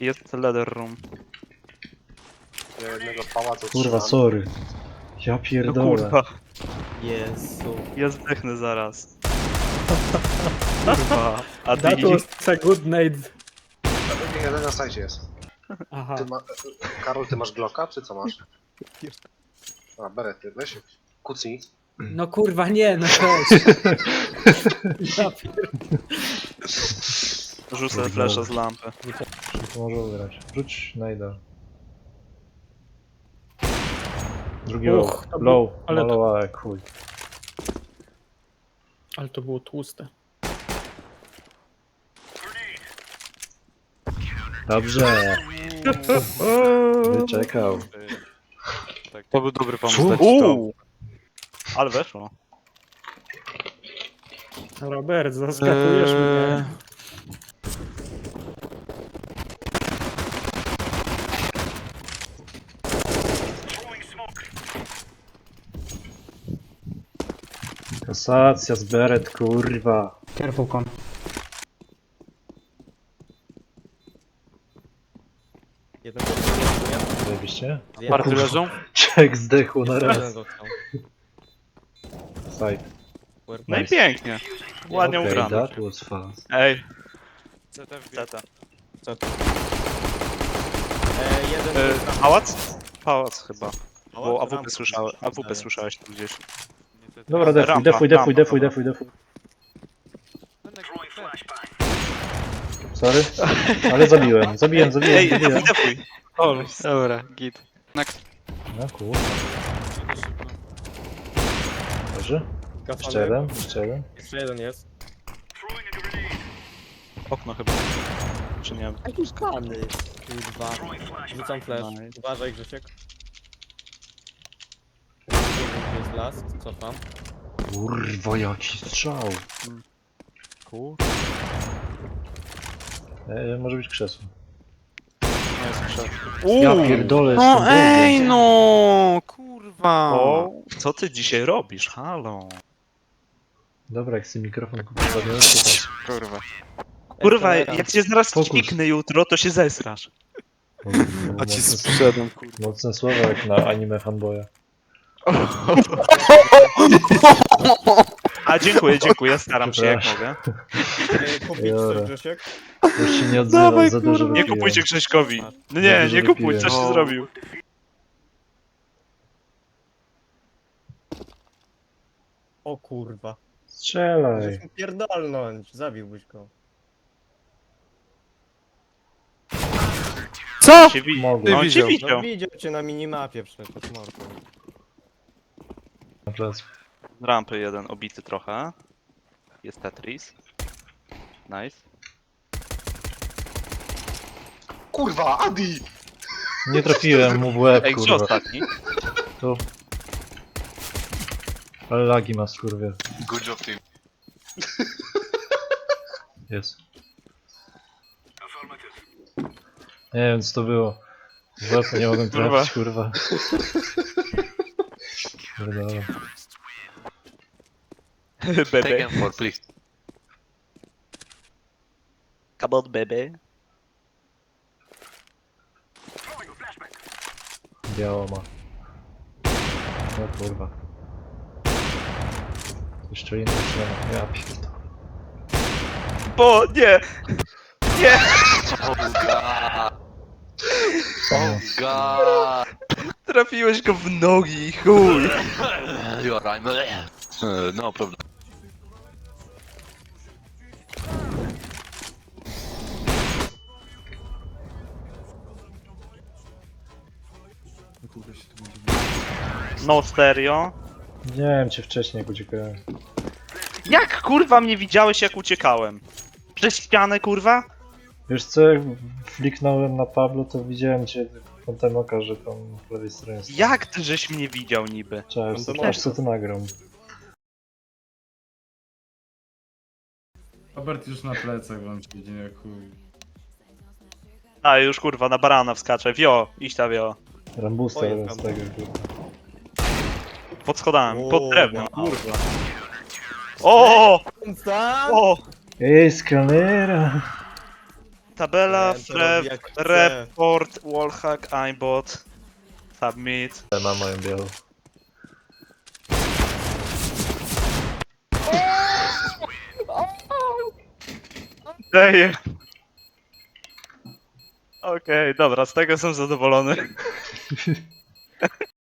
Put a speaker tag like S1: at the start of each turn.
S1: Jest leather room.
S2: Ja jednego pałacu
S3: Kurwa,
S2: trzymam.
S3: sorry. Ja
S1: No
S3: pierdolę.
S1: kurwa,
S4: Jezu.
S1: ja zdechnę zaraz. Kurwa, a ty
S4: That was a good night.
S2: Jeden na sajcie jest.
S4: Aha.
S2: Karol, ty masz Glocka, czy co masz? A, berety, weź. Kucnij.
S4: No kurwa nie, no cześć. Ja
S1: Rzucę flasha z lampy.
S3: To może ugrać. Rzuć najda. Drugi
S4: Uch, to
S3: low.
S4: ale to-
S3: Malowałem, chuj.
S4: Ale to było tłuste.
S3: Dobrze. Wyczekał.
S1: To był dobry
S3: Co?
S1: pomysł. Uuu! Ale weszło.
S4: Robert, zaskakujesz mnie.
S3: Kasacja z beret, kurwa.
S5: Careful con.
S4: Jeden
S3: Zajebiście.
S1: Party leżą?
S3: Czek zdechł na raz.
S4: Jeden został.
S3: Side.
S1: No i
S3: Nice.
S1: pięknie. Ładnie
S3: Okay,
S1: ugrane.
S3: that was fast.
S1: Ej,
S4: CT.
S1: CT.
S4: Jeden
S1: Pałac? Pałac chyba. Bo
S4: Pałac?
S1: AWP słyszałeś, AWP słyszałeś tu gdzieś.
S3: Dobra, defuj,
S1: Rampa,
S3: defuj,
S1: rampa,
S3: defuj, defuj,
S1: dobra.
S3: defuj, defuj. Sorry? Ale zabiłem, zabiłem.
S1: Ej, defuj.
S6: Dobra, git.
S3: No kurwa. Dobrze. Jeszcze jeden, jeszcze jeden.
S4: Jeszcze jeden jest.
S1: Okno chyba. Czy nie?
S4: Jaki skany. Kurwa. Rzucam flash.
S1: Nice.
S4: Uważaj, Grzesiek. Jest las, cofam.
S3: Kurwa, jaki strzał.
S1: Kur...
S3: Może być krzesło.
S1: No jest krzak.
S3: Ja pierdolę,
S6: No
S3: jestem
S6: ej
S3: drugi.
S6: no, kurwa.
S1: O, co ty dzisiaj robisz? Halo.
S3: Dobra, jak sobie mikrofon kupię, to też.
S6: Kurwa.
S1: Kurwa, jak cię zaraz
S3: Fokus.
S1: ćwiknę jutro, to się zesrasz.
S6: A ci sprzedam, kurwa.
S3: Mocne słowa jak na anime fanboya.
S1: A dziękuję, staram się jak mogę.
S4: Kupić
S3: Jora.
S4: coś, Grzesiek?
S3: Już się nie odzywam,
S6: Dawaj,
S3: za dużo
S1: Nie
S3: wypiłem.
S1: kupujcie Grześkowi. No
S3: Za
S1: nie,
S3: dużo
S1: nie kupuj,
S3: wypiłem.
S1: coś ty zrobił.
S4: O kurwa.
S3: Strzelaj.
S4: Żeśmy pierdolnąć, zabiłbyś go.
S6: Co?
S1: Cię
S3: Mogłem.
S1: No, cię
S6: widział.
S1: widział.
S4: No widział cię na minimapie przecież, mordo.
S3: Na plac.
S1: Rampy jeden obity trochę. Jest Tetris. Nice.
S2: Kurwa, Adi!
S3: Nie trafiłem mu w łeb,
S1: Ej, gdzie
S3: kurwa.
S1: ostatni?
S3: Tu. Ale lagi ma, skurwie.
S2: Good job, team.
S3: Jest. Nie wiem, co to było. W łeb nie mogłem trafić, kurwa. Pierdolę.
S1: Bebe.
S2: for, please.
S1: Come on, bebe.
S3: Biało ma. O kurwa. Jeszcze inny nie ma. Ja pierdolę.
S1: Bo nie! Nie!
S3: O,
S7: God,
S1: Trafiłeś go w nogi, chuj!
S7: you are right. No problem.
S1: No stereo.
S3: widziałem cię wcześniej, jak uciekałem.
S1: Jak kurwa mnie widziałeś jak uciekałem? Przez ścianę kurwa?
S3: Wiesz co, jak fliknąłem na Pablo, to widziałem cię kątem oka, że tam po lewej stronie jest.
S1: Jak ty żeś mnie widział niby?
S3: Cześć,
S4: Kątem
S3: aż
S4: oka.
S3: co to nagram.
S8: Robert już na plecach wam siedzi, jak chuj.
S1: A już kurwa na barana wskaczę. Wio, iść ta wio.
S3: Rambusta
S4: Oj,
S3: jeden z
S4: tam.
S3: tego, kurwa.
S1: Pod schodami, pod
S4: O,
S1: drewnem,
S4: wow.
S1: kurwa. O!
S4: Tam?
S1: O!
S3: Ej, skanera!
S1: tabela,
S5: Nie, to robi jak chce.
S1: report, wallhack, aimbot, submit.
S3: Ma moją białą.
S1: Daję. Okej, dobra, z tego jestem zadowolony.